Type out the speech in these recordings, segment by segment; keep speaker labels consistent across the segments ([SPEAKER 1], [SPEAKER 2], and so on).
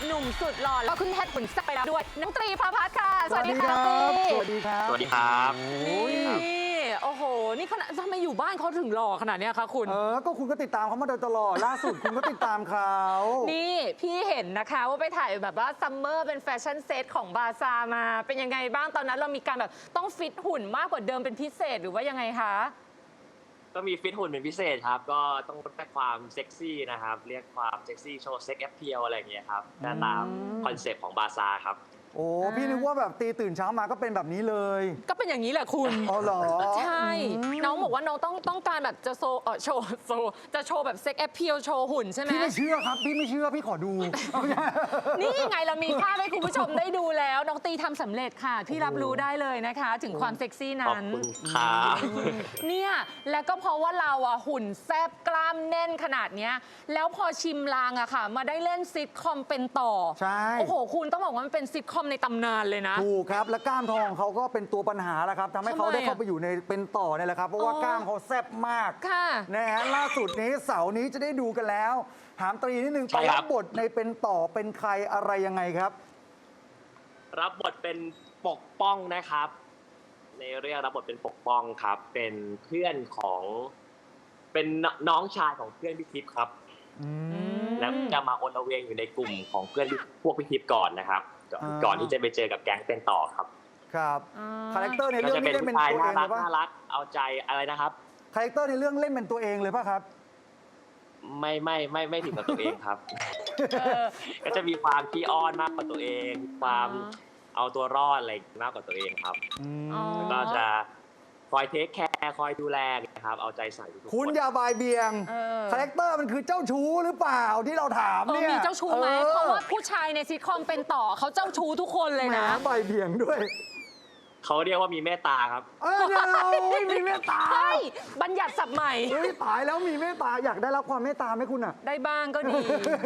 [SPEAKER 1] หนุ่มสุดหล่อแล้วขึ้นแท่นขุนแซ่บไปแล้วด้วยน้องตรีพาพัฒน์ค่ะสวัสดีค่ะ
[SPEAKER 2] สวัสดีครับ
[SPEAKER 3] สวัสดีครับ
[SPEAKER 1] นี่โอ้โหนี่ขนาดทำไมอยู่บ้านเขาถึงหล่อขนาดเนี้ยคะคุณ
[SPEAKER 2] ก็คุณก็ติดตามเขามาโดยตลอดล่าสุดคุณก็ติดตามเขา
[SPEAKER 1] นี่พี่เห็นนะคะว่าไปถ่ายแบบว่าซัมเมอร์เป็นแฟชั่นเซตของบาซามาเป็นยังไงบ้างตอนนั้นเรามีการแบบต้องฟิตหุ่นมากกว่าเดิมเป็นพิเศษหรือว่ายังไงคะ
[SPEAKER 3] ก็มีฟิตหุ่นเป็นพิเศษครับ ก็ต้องเรียกความเซ็กซี่นะครับ เรียกความเซ็กซี่โชว์เซ็กแอปเพียลอะไรอย่างเงี้ยครับตามคอนเซปต์ของบาซาครับ
[SPEAKER 2] โอ้พี่นึกว่าแบบตีตื่นเช้ามาก็เป็นแบบนี้เลย
[SPEAKER 1] ก็เป็นอย่างนี้แหละคุณ
[SPEAKER 2] อ๋อเหรอ
[SPEAKER 1] ใช่ น้องบอกว่าน้องต้องการแบบจะโชว์จะโชว์แบบเซ็กแอปเพียลโชว์หุ่นใช่ไหม
[SPEAKER 2] พี่ไม่เชื่อครับพี่ไม่เชื่อพี่ขอดู
[SPEAKER 1] นี่ไงเรามีภาพให้คุณผู้ชมได้ดูแล้ว น้องตีทำสำเร็จค่ะ พี่รับรู้ได้เลยนะคะ ถึงความเซ็กซี่
[SPEAKER 3] ขอบ
[SPEAKER 1] นั้น
[SPEAKER 3] คุณครับ
[SPEAKER 1] เนี่ยแล้วก็เพราะว่าเราอะหุ่นแซบกล้ามแน่นขนาดเนี้ยแล้วพอชิมลางอะค่ะ มาได้เล่นซิทคอมเป็นต่อ
[SPEAKER 2] ใช่
[SPEAKER 1] โอ้โหคุณต้องบอกว่ามันเป็นซิทคอมในตำนานเลยนะ
[SPEAKER 2] ถูกครับและกล้ามทองของเขาก็เป็นตัวปัญหาแล้วครับทำให้เขาได้เข้าไปอยู่ในเป็นต่อเนี่ยแหละครับเพราะว่ากล้ามเขาแซ่บมาก
[SPEAKER 1] ค่ะ
[SPEAKER 2] นะฮะล่าสุดนี้เสาร์นี้จะได้ดูกันแล้ว ถามตรีนิดนึง
[SPEAKER 3] ใช่
[SPEAKER 2] ไป
[SPEAKER 3] ครั
[SPEAKER 2] รับ บบทในเป็นต่อเป็นใครอะไรยังไงครับ
[SPEAKER 3] รับบทเป็นปกป้องนะครับ ในเรื่องรับบทเป็นปกป้องครับ เป็นเพื่อนของเป็นน้องชายของเพื่อนพี่ทิพย์ครับ แล้วจะมาอนละเวงอยู่ในกลุ่มของเพื่อนพวกพี่ทิพย์ก่อนนะครับก่อนที่จะไปเจอกับแก๊งเป็นต่อครับ
[SPEAKER 2] ครับ
[SPEAKER 1] อ่า
[SPEAKER 2] คาแรคเตอร์ใน
[SPEAKER 3] ก็
[SPEAKER 2] เรื่อง
[SPEAKER 3] จะเป็
[SPEAKER 2] นี้
[SPEAKER 3] น
[SPEAKER 2] เล่น
[SPEAKER 3] ผู้
[SPEAKER 2] เป็น
[SPEAKER 3] ชาย
[SPEAKER 2] ตัวเอ
[SPEAKER 3] น่าง
[SPEAKER 2] เล
[SPEAKER 3] รัก
[SPEAKER 2] ยป่ะ
[SPEAKER 3] น่ารักเอาใจอะไรนะครับ
[SPEAKER 2] คาแรคเตอร์ในเรื่องเล่นเป็นตัวเองเลยป่ะครับ
[SPEAKER 3] ไม่ถึงกับตัวเองครับ
[SPEAKER 1] เออ
[SPEAKER 3] ก็จะมีความขี้อ้อนมากกว่าตัวเอง ความเอาตัวรอดอะไรมากกว่าตัวเองครับ
[SPEAKER 1] อ๋อ
[SPEAKER 3] แล้วก็จะคอยเทคแคร์คอยดูแลนะครับ เอาใจใส่ทุกๆ
[SPEAKER 2] คุณ
[SPEAKER 3] น
[SPEAKER 2] อย่าบายเบียง
[SPEAKER 1] เออ
[SPEAKER 2] คาแรคเตอร์มันคือเจ้าชู้หรือเปล่าที่เราถามเนี่ย
[SPEAKER 1] มีเจ้าชู้ไหมเพราะว่าผู้ชายในซิทคอมเป็นต่อเขาเจ้าชู้ทุกคนเลย
[SPEAKER 2] แหม
[SPEAKER 1] นะ
[SPEAKER 2] บายเบียงด้วย
[SPEAKER 3] เขาเรียกว่ามีเมตตาครับ
[SPEAKER 2] เดี๋ยวมีเมตตา
[SPEAKER 1] เฮ้ยบัญญัติศัพท์ใหม่
[SPEAKER 2] เฮ้ยตายแล้วมีเมตตาอยากได้รับความเมตตาไหมคุณอ่ะ
[SPEAKER 1] ได้บ้างก็ดี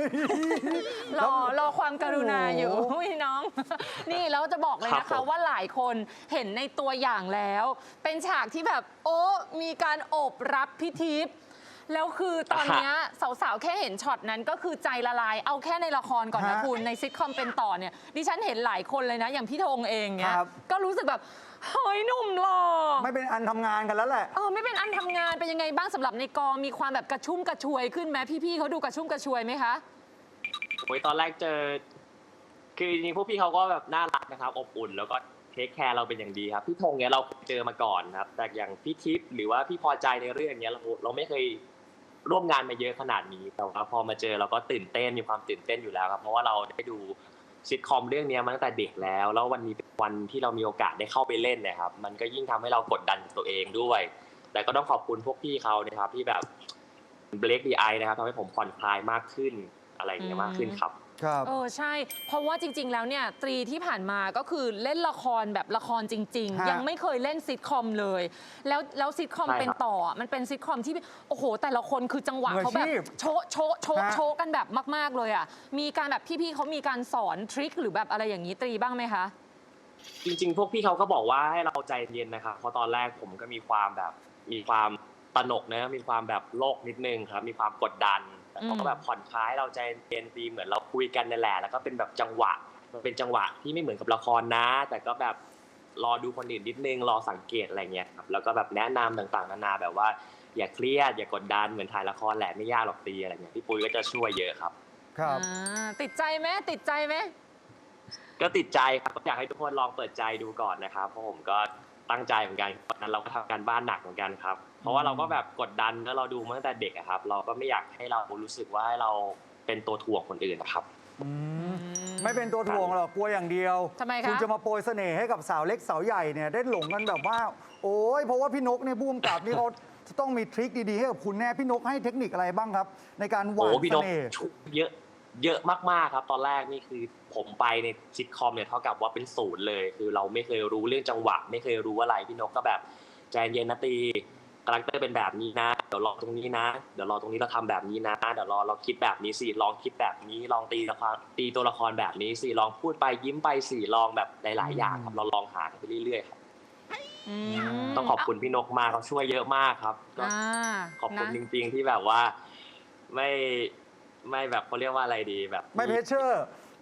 [SPEAKER 1] รอความกรุณาอยู่
[SPEAKER 2] โอ้โห
[SPEAKER 1] อุ้ยน้อง นี่แล้วจะบอกเลยนะ
[SPEAKER 3] ครั
[SPEAKER 1] คะ
[SPEAKER 3] บผม
[SPEAKER 1] ว่าหลายคนเห็นในตัวอย่างแล้ว เป็นฉากที่แบบโอ้มีการโอบรับพิทิพย์แล้วคือตอนเนี้ยสาวๆ แค่เห็นช็อตนั้นก็คือใจละลาย เอาแค่ในละครก่อนนะคุณในซิทคอมเป็นต่อเนี่ยดิฉันเห็นหลายคนเลยนะ อย่างพี่ธงเองเนี่ย
[SPEAKER 2] ครับ
[SPEAKER 1] ก็รู้สึกแบบเฮ้ยหนุ่มหล่อ
[SPEAKER 2] ไม่เป็นอันทำงานกันแล้วแหละ
[SPEAKER 1] ไม่เป็นอันทำงานเป็นยังไงบ้างสำหรับในกองมีความแบบกระชุ่มกระชวยขึ้นไหมพี่ๆเขาดูกระชุ่มกระชวยไหมคะ
[SPEAKER 3] โอ้ยตอนแรกเจอ คือจริงๆพวกพี่เขาก็แบบน่ารักนะครับ อบอุ่น แล้วก็เทคแคร์เราเป็นอย่างดีครับ พี่ธงเนี้ยเราเจอมาก่อนครับ แต่อย่างพี่ทิพย์หรือว่าพี่พอใจในเรื่องเนี้ยเราไม่เคยร่วมงานมาเยอะขนาดนี้ แต่ว่าพอมาเจอเราก็ตื่นเต้นมีความตื่นเต้นอยู่แล้วครับ เพราะว่าเราได้ดูซิทคอมเรื่องนี้มาตั้งแต่เด็กแล้ว แล้ววันนี้เป็นวันที่เรามีโอกาสได้เข้าไปเล่นเนะครับ มันก็ยิ่งทำให้เรากดดันตัวเองด้วย แต่ก็ต้องขอบคุณพวกพี่เขานะครับที่แบบเบรกดีไอนะครับทำให้ผมผ่อนคลายมากขึ้นอะไรอย่างเงี้ยมากขึ้นครับ
[SPEAKER 2] ครับ
[SPEAKER 1] ใช่ เพราะว่าจริง ๆ แล้วเนี่ยตรีที่ผ่านมาก็คือเล่นละครแบบละครจริง
[SPEAKER 2] ฮะ
[SPEAKER 1] ๆ ยังไม่เคยเล่นซิทคอมเลย แล้วซิทคอม
[SPEAKER 3] ใช่ครับ
[SPEAKER 1] เป็นต่อมันเป็นซิทคอมที่โอ้โหแต่ละคนคือจังหวะเขาแบบโชะโชะโชะ
[SPEAKER 2] ฮะ
[SPEAKER 1] โชะกันแบบมาก ๆเลยอ่ะมีการแบบพี่ๆเขามีการสอนทริคหรือแบบอะไรอย่างนี้ตรีบ้างไหมคะ
[SPEAKER 3] จริงๆ พวกพี่เขาก็บอกว่าให้เราใจเย็นนะครับ เพราะตอนแรกผมก็มีความตระหนกนะมีความแบบโลกนิดนึงครับ มีความกดดัน แต่เขาก็แบบผ่อนคลายเราใจเย็นดีเหมือนเราคุยกันนั่นแหละ แล้วก็เป็นแบบจังหวะ มันเป็นจังหวะที่ไม่เหมือนกับละครนะ แต่ก็แบบรอดูคนอื่นนิดนึง รอสังเกตอะไรเงี้ยครับ แล้วก็แบบแนะนำต่างๆ นานาแบบว่าอย่าเครียดอย่ากดดันเหมือนถ่ายละครแหละไม่ยากหรอกตีอะไรเงี้ยพี่ปุ้ยก็จะช่วยเยอะครับ
[SPEAKER 2] ครับ
[SPEAKER 1] ติดใจไหมติดใจไหม
[SPEAKER 3] ก็ติดใจครับอยากให้ทุกคนลองเปิดใจดูก่อนนะครับเพราะผมก็ตั้งใจเหมือนกันตอนนั้นเราก็ทำการบ้านหนักเหมือนกันครับ เพราะว่าเราก็แบบกดดันแล้วเราดูมาตั้งแต่เด็กอะครับ เราก็ไม่อยากให้เรารู้สึกว่าให้เราเป็นตัวถ่วงคนอื่นนะครับ
[SPEAKER 2] ไม่เป็นตัวถ่วงหรอกกลัวอย่างเดียว
[SPEAKER 1] ทำไมคะ
[SPEAKER 2] คุณจะมาโปรยเสน่ห์ให้กับสาวเล็กสาวใหญ่เนี่ยได้หลงกันแบบว่า โอ้ยเพราะว่าพี่นกเนี่ยผู้กำกับนี่เขาจะต้องมีทริคดีๆให้กับคุณแน่พี่นกให้เทคนิคอะไรบ้างครับ ในการหวา
[SPEAKER 3] โอ้
[SPEAKER 2] น
[SPEAKER 3] พี่
[SPEAKER 2] เส
[SPEAKER 3] นก
[SPEAKER 2] น่ห์
[SPEAKER 3] เยอะมากๆครับ ตอนแรกนี่คือผมไปในซิทคอมเนี่ยเท่ากับว่าเป็นศูนย์เลย คือเราไม่เคยรู้เรื่องจังหวะ ไม่เคยรู้อะไรพี่นกก็แบบใจเย็นนะตีคาแรคเตอร์เป็นแบบนี้นะเดี๋ยวรอตรงนี้นะเดี๋ยวรอตรงนี้เราทำแบบนี้นะเดี๋ยวรอเราคิดแบบนี้สิลองคิดแบบนี้ลองตีตัวละครแบบนี้สิลองพูดไปยิ้มไปสิลองแบบหลายๆอย่างครับเราลองหาไปเรื่อยๆครับต้องขอบคุณพี่นกมากเขาช่วยเยอะมากครับก็ขอบคุณจริงๆที่แบบว่าไม่แบบเขาเรียกว่าอะไรดีแบบ
[SPEAKER 2] ไม่เพชเชอร์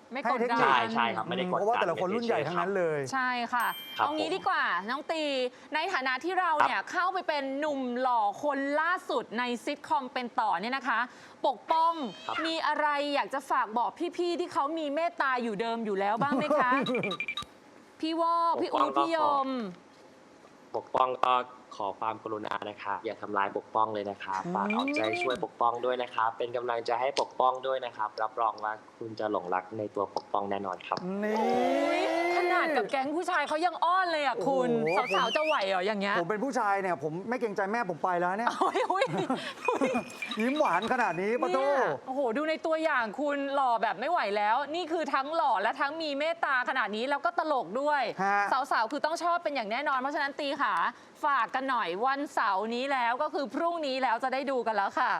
[SPEAKER 1] ไม่
[SPEAKER 2] ให้
[SPEAKER 1] กด
[SPEAKER 2] เทค
[SPEAKER 1] ดั
[SPEAKER 2] นิค
[SPEAKER 1] น
[SPEAKER 3] ใช่ครับไม่ได้กดดัน
[SPEAKER 2] เพราะว่าแต่ละคนรุ่นใหญ่ทั้งนั้นเลย
[SPEAKER 1] ใช่ค่ะ
[SPEAKER 3] ครับ
[SPEAKER 1] เอางี้
[SPEAKER 3] ผม
[SPEAKER 1] ดีกว่าน้องตีในฐานะที่เราเนี่ยเข้าไปเป็นหนุ่มหล่อคนล่าสุดในซิทคอมเป็นต่อเนี่ยนะคะ ปกป้อง
[SPEAKER 3] ครับ
[SPEAKER 1] มีอะไรอยากจะฝากบอกพี่ๆที่เขามีเมตตาอยู่เดิมอยู่แล้วบ้างไหมคะ พี่วอกพี่อู๊ดพี่ยม
[SPEAKER 3] ปกป้องก็ขอความกรุณานะครับอย่าทำร้ายปกป้องเลยนะครับฝากเอาใจช่วยปกป้องด้วยนะครับเป็นกำลังใจให้ปกป้องด้วยนะครับรับรองว่าคุณจะหลงรักในตัวปกป้องแน่นอนครับ
[SPEAKER 2] นี่
[SPEAKER 1] ขนาดกับแก๊งผู้ชายเขายังอ้อนเลยอ่ะคุณ
[SPEAKER 2] โอ้โห
[SPEAKER 1] สาวๆจะไหวเหรออย่างเงี้ย
[SPEAKER 2] ผมเป็นผู้ชายเนี่ยผมไม่เกรงใจแม่ผมไปแล้วเนี่ย
[SPEAKER 1] โอ้ยโอ้ยโอ้ย
[SPEAKER 2] ยิ้มหวานขนาดนี้ปะโต
[SPEAKER 1] เนี่ยโอ้โห ดูในตัวอย่างคุณหล่อแบบไม่ไหวแล้ว นี่คือทั้งหล่อและทั้งมีเมตตาขนาดนี้แล้วก็ตลกด้วย
[SPEAKER 2] ฮะ
[SPEAKER 1] สาวๆ คือต้องชอบเป็นอย่างแน่นอน เพราะฉะนั้นตีขาฝากกันหน่อยวันเสาร์นี้แล้วก็คือพรุ่งนี้แล้วจะได้ดูกันแล้วค่ะ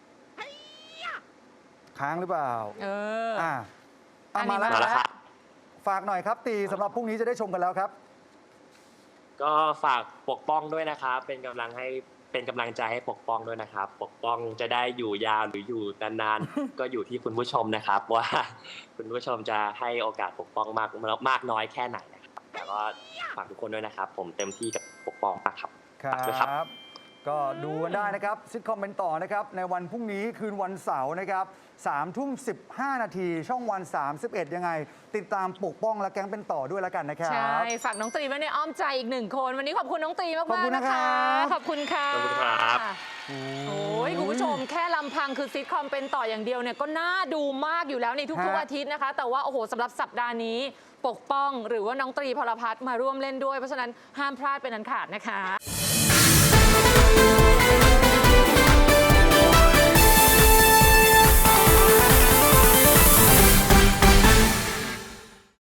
[SPEAKER 2] ค้างหรือเปล่า
[SPEAKER 1] เออ
[SPEAKER 2] อ่ะ
[SPEAKER 1] อันนี้
[SPEAKER 2] มาแล้ว
[SPEAKER 3] มาแล้วครับ
[SPEAKER 2] ฝากหน่อยครับตีสำหรับพรุ่งนี้จะได้ชมกันแล้วครับ
[SPEAKER 3] ก็ฝากปกป้องด้วยนะครับเป็นกำลังใจให้ปกป้องด้วยนะครับ ปกป้องจะได้อยู่ยาวหรืออยู่นานๆ ก็อยู่ที่คุณผู้ชมนะครับ ว่าคุณผู้ชมจะให้โอกาสปกป้องมากน้อยแค่ไหนนะครับแต่ก็ฝากทุกคนด้วยนะครับ ผมเต็มที่กับปกป้องมากครับ
[SPEAKER 2] คร
[SPEAKER 3] ฝากด้วยครับ
[SPEAKER 2] ับ ก็ดูกันได้นะครับซิทคอมเป็นต่อนะครับในวันพรุ่งนี้คืนวันเสาร์นะครับ3:15 นาทีช่องวัน 31 ยังไง ติดตามปกป้องและแก๊งเป็นต่อด้วยแล้วกันนะครับ
[SPEAKER 1] ใช่ ฝากน้องตรีไว้ในอ้อมใจอีกหนึ่งคน วันนี้ขอบคุณน้องตรี
[SPEAKER 2] ขอบ
[SPEAKER 1] มาก
[SPEAKER 2] คุณ
[SPEAKER 1] ๆ
[SPEAKER 2] นะ
[SPEAKER 1] นะคะ
[SPEAKER 2] ครับ
[SPEAKER 1] ขอบคุณค่ะ
[SPEAKER 3] ขอบคุณครับ
[SPEAKER 1] โอ้ยคุณผู้ชมแค่ลำพังคือซิทคอมเป็นต่ออย่างเดียวเนี่ยก็น่าดูมากอยู่แล้วในทุกๆอาทิตย์นะคะ แต่ว่าโอ้โหสำหรับสัปดาห์นี้ ปกป้องหรือว่าน้องตรีพลพัฒน์มาร่วมเล่นด้วยเพราะฉะนั้นห้ามพลาดเป็นอันขาดนะคะ